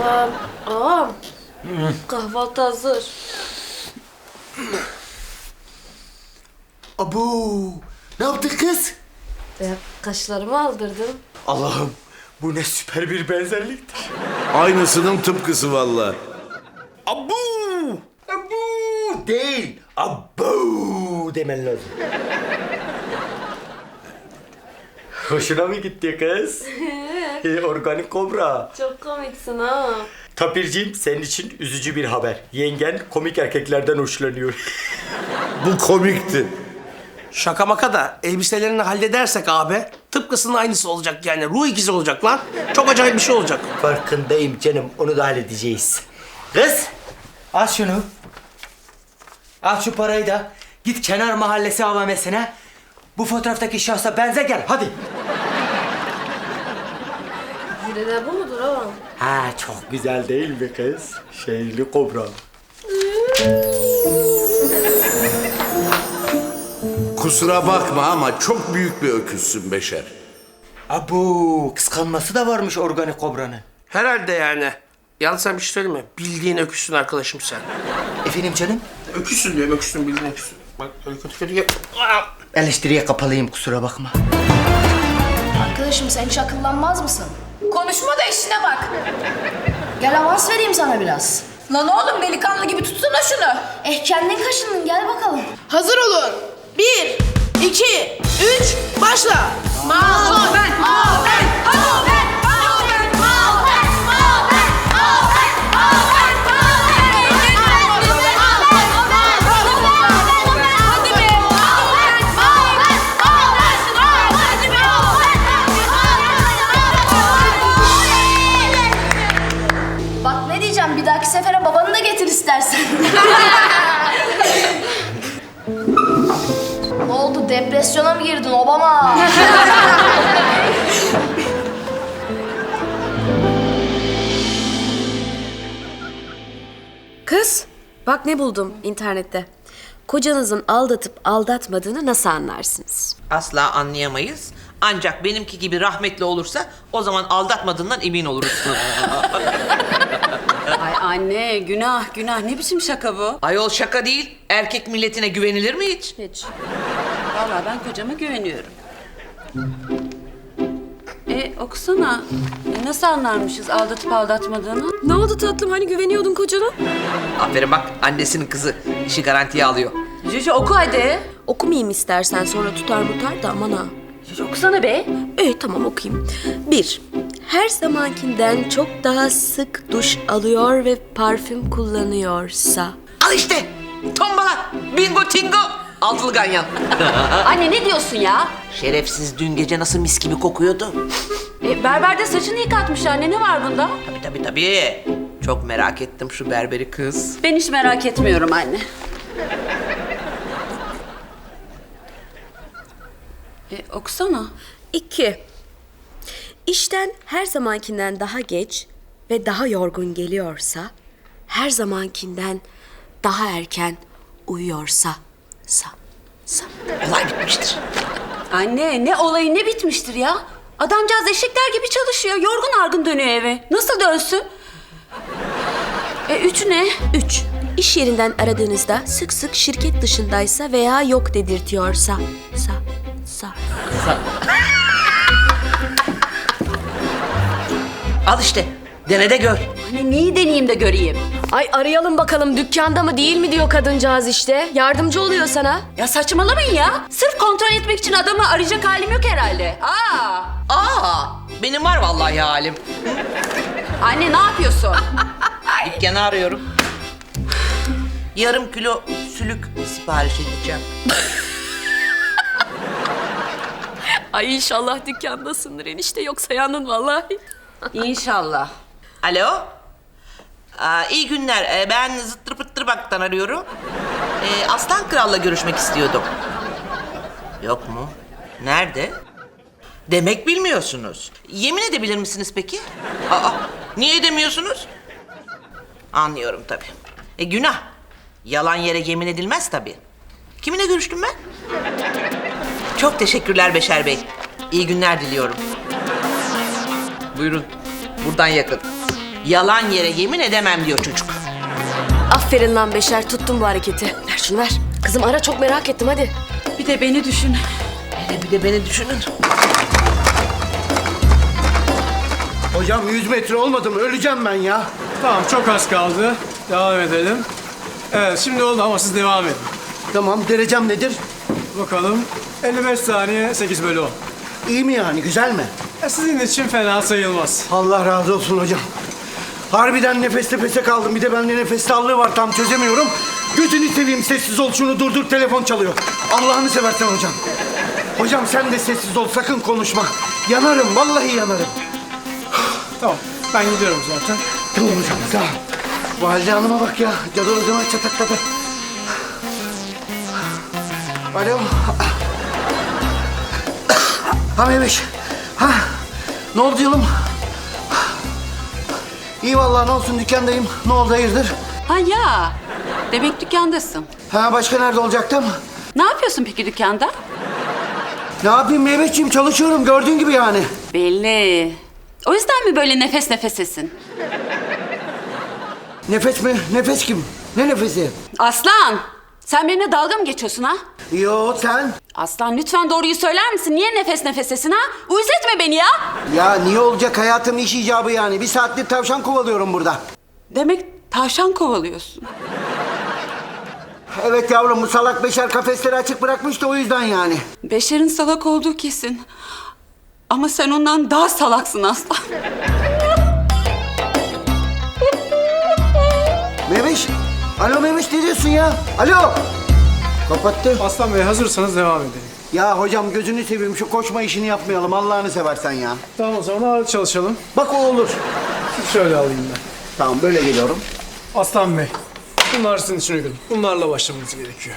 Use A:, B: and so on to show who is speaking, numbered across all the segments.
A: Ağam. Kahvaltı hazır.
B: Abu, ne yaptın kız?
A: Kaşlarımı aldırdım.
B: Allah'ım, bu ne süper bir benzerliktir.
C: Aynısının tıpkısı vallahi.
B: Abu! Abu değil, abu demen lazım. Hoşuna mı gitti kız? Organik kobra.
A: Çok komiksin ha.
B: Tapirciğim, senin için üzücü bir haber. Yengen komik erkeklerden hoşlanıyor.
C: Bu komikti.
D: Şaka maka da elbiselerini halledersek abi tıpkısının aynısı olacak yani. Ruh ikizi olacak lan. Çok acayip bir şey olacak.
B: Farkındayım canım, onu da halledeceğiz. Kız, al şunu. Al şu parayı da git kenar mahallesi AVM'sine. Bu fotoğraftaki şahsa benze gel, hadi.
A: Yine de bu mudur ağam?
B: Ha, çok güzel değil mi kız? Şeyli kobra.
C: Kusura bakma ama çok büyük bir öküzsün Beşer.
B: Abu, kıskanması da varmış organik kobranın.
D: Herhalde yani. Yalnız sen bir şey söyleyeyim mi? Bildiğin öküzsün arkadaşım sen.
B: Efendim canım?
D: Öküzsün diyorum, öküzsün, bildiğin öküzsün. Bak öyle kötü kötü.
B: Eleştiriye kapalıyım, kusura bakma.
E: Arkadaşım sen hiç akıllanmaz mısın? Konuşma da işine bak. Gel avans vereyim sana biraz.
F: Lan oğlum delikanlı gibi tutsana şunu.
E: Kendin kaşındın, gel bakalım.
F: Hazır olun. 1, 2, 3, başla. Maven.
E: Bak ne diyeceğim, bir dahaki sefere babanı da getir istersen. Ne oldu, depresyona mı girdin Obama?
A: Kız, bak ne buldum internette. Kocanızın aldatıp aldatmadığını nasıl anlarsınız?
G: Asla anlayamayız. Ancak benimki gibi rahmetli olursa o zaman aldatmadığından emin oluruz.
F: Ay anne günah ne biçim şaka bu?
G: Ayol şaka değil. Erkek milletine güvenilir mi hiç?
F: Hiç. Vallahi ben kocama güveniyorum. Okusana. Nasıl anlarmışız aldatıp aldatmadığını?
A: Ne oldu tatlım, hani güveniyordun kocana?
G: Aferin bak, annesinin kızı işi garantiye alıyor.
F: Cüce oku hadi.
A: Okumayayım istersen, sonra tutar da aman ha.
F: Cüce okusana be.
A: Tamam okuyayım. 1. Her zamankinden çok daha sık duş alıyor ve parfüm kullanıyorsa.
G: Al işte. Tombala. Bingo tingo. Altılı ganyan.
F: Anne ne diyorsun ya?
G: Şerefsiz dün gece nasıl mis gibi kokuyordu.
F: Berberde saçını yıkatmış anne, ne var bunda?
G: Tabii. Çok merak ettim şu berberi kız.
F: Ben hiç merak etmiyorum anne. Okusana.
A: 2. İşten her zamankinden daha geç ve daha yorgun geliyorsa, her zamankinden daha erken uyuyorsa, sa.
G: Olay bitmiştir.
F: Anne ne olayı ne bitmiştir ya? Adamcağız eşekler gibi çalışıyor. Yorgun argın dönüyor eve. Nasıl dönsün? 3 ne?
A: 3. İş yerinden aradığınızda sık sık şirket dışındaysa veya yok dedirtiyorsa, sa.
G: Al işte. Dene de gör.
F: Hani neyi deneyeyim de göreyim?
A: Ay arayalım bakalım, dükkanda mı değil mi diyor kadıncağız işte. Yardımcı oluyor sana.
F: Ya saçmalamayın ya. Sırf kontrol etmek için adamı arayacak halim yok herhalde.
G: Benim var vallahi halim.
F: Anne ne yapıyorsun?
G: Dükkanı arıyorum. Yarım kilo sülük sipariş edeceğim.
A: Ay inşallah dükkandasındır enişte, yoksa yandın vallahi.
F: İnşallah.
G: Alo. İyi günler. Ben Zıttır Pıttır Bak'tan arıyorum. Aslan Kral'la görüşmek istiyordum. Yok mu? Nerede? Demek bilmiyorsunuz. Yemin edebilir misiniz peki? Niye edemiyorsunuz? Anlıyorum tabii. Günah. Yalan yere yemin edilmez tabii. Kiminle görüştüm ben? Çok teşekkürler Beşer Bey. İyi günler diliyorum. Buyurun. Buradan yakın. Yalan yere yemin edemem diyor çocuk.
A: Aferin lan Beşer, tuttun bu hareketi. Ver şunu ver. Kızım ara, çok merak ettim hadi.
F: Bir de beni düşün.
G: Bir de beni düşünün.
H: Hocam 100 metre olmadı mı? Öleceğim ben ya.
I: Tamam, çok az kaldı. Devam edelim. Evet, şimdi oldu ama siz devam edin.
H: Tamam, derecem nedir?
I: Bakalım. 55 saniye 8 bölü 10.
H: İyi mi yani? Güzel mi?
I: Sizin için fena sayılmaz.
H: Allah razı olsun hocam. Harbiden nefes nefese kaldım. Bir de bende nefes darlığı var, tam çözemiyorum. Gözünü seveyim, sessiz ol, şunu durdur, telefon çalıyor. Allah'ını seversen hocam. Hocam sen de sessiz ol, sakın konuşma. Yanarım, vallahi yanarım.
I: Tamam, ben gidiyorum zaten.
H: Tamam hocam, sağ ol. Valide Hanım'a bak ya, cadı hocama çatakladı. Alo. Ha Mehmet. Ha. Ne oldu canım? İyi vallahi, ne olsun, dükkandayım. Ne oldu, hayırdır?
F: Ha ya, demek dükkandasın.
H: Ha, başka nerede olacaktım?
F: Ne yapıyorsun peki dükkanda?
H: Ne yapayım Mehmetciğim, çalışıyorum gördüğün gibi yani.
F: Belli. O yüzden mi böyle nefes nefesesin?
H: Nefes mi? Nefes kim? Ne nefesi?
F: Aslan, sen benimle dalga mı geçiyorsun ha?
H: Yo, sen?
F: Aslan lütfen doğruyu söyler misin? Niye nefes nefesesin ha? Uyuz etme beni ya.
H: Ya niye olacak, hayatım iş icabı yani. Bir saattir tavşan kovalıyorum burada.
F: Demek tavşan kovalıyorsun.
H: Evet yavrum, bu salak Beşer kafesleri açık bırakmış da o yüzden yani.
F: Beşer'in salak olduğu kesin. Ama sen ondan daha salaksın Aslan.
H: Memiş. Alo Memiş, ne diyorsun ya? Alo. Kapattı.
I: Aslan Bey, hazırsanız devam edelim.
H: Ya hocam gözünü seveyim, şu koşma işini yapmayalım Allah'ını seversen ya.
I: Tamam, o zaman ağır çalışalım.
H: Bak o olur.
I: Siz şöyle alayım ben.
H: Tamam, böyle geliyorum.
I: Aslan Bey, bunlar sizin için uygun. Bunlarla başlamanız gerekiyor.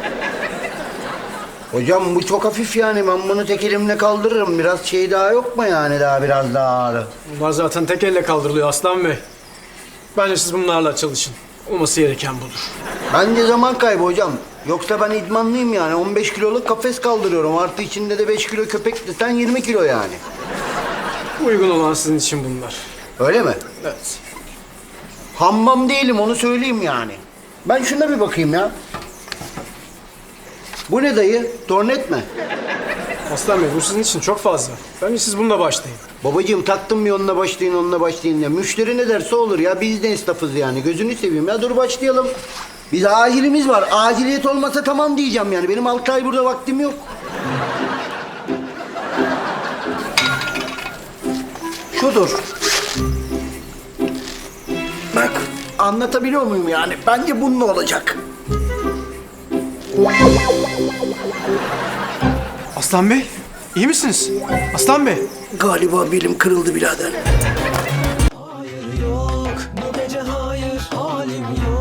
H: Hocam bu çok hafif yani, ben bunu tek elimle kaldırırım. Biraz şey daha yok mu yani, daha biraz daha ağır?
I: Bunlar zaten tek elle kaldırılıyor Aslan Bey. Bence siz bunlarla çalışın. Olması gereken budur.
H: Bence zaman kaybı hocam. Yoksa ben idmanlıyım yani. 15 kiloluk kafes kaldırıyorum. Artı içinde de 5 kilo köpek desen 20 kilo yani.
I: Uygun olan sizin için bunlar.
H: Öyle mi?
I: Evet.
H: Hammam değilim, onu söyleyeyim yani. Ben şuna bir bakayım ya. Bu ne dayı? Tornet mi?
I: Aslan Bey, bu sizin için çok fazla. Bence siz bununla başlayın.
H: Babacığım taktım bir onunla başlayın, onunla başlayın diye. Müşteri ne derse olur ya. Biz de esnafız yani. Gözünü seveyim ya. Dur başlayalım. Biz acilimiz var. Aciliyet olmasa tamam diyeceğim yani. Benim 6 ay burada vaktim yok. Şudur. Bak, anlatabiliyor muyum yani? Bence bununla olacak.
I: Aslan Bey, iyi misiniz? Aslan Bey.
H: Galiba belim kırıldı birader.
J: Hayır yok, bu gece hayır, halim yok.